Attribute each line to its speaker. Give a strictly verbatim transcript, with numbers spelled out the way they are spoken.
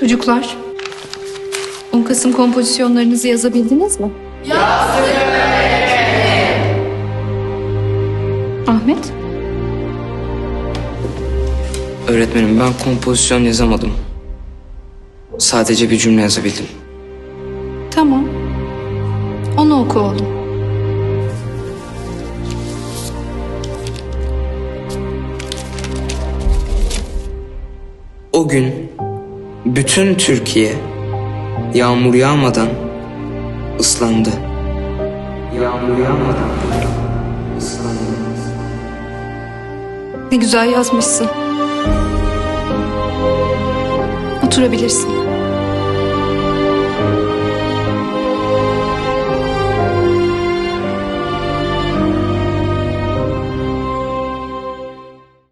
Speaker 1: Çocuklar, on Kasım kompozisyonlarınızı yazabildiniz mi? Yazdık. Ahmet?
Speaker 2: Öğretmenim, ben kompozisyon yazamadım. Sadece bir cümle yazabildim.
Speaker 1: Tamam. Onu oku oğlum.
Speaker 2: O gün bütün Türkiye yağmur yağmadan ıslandı. Yağmur yağmadan ıslandı.
Speaker 1: Ne güzel yazmışsın. Oturabilirsin.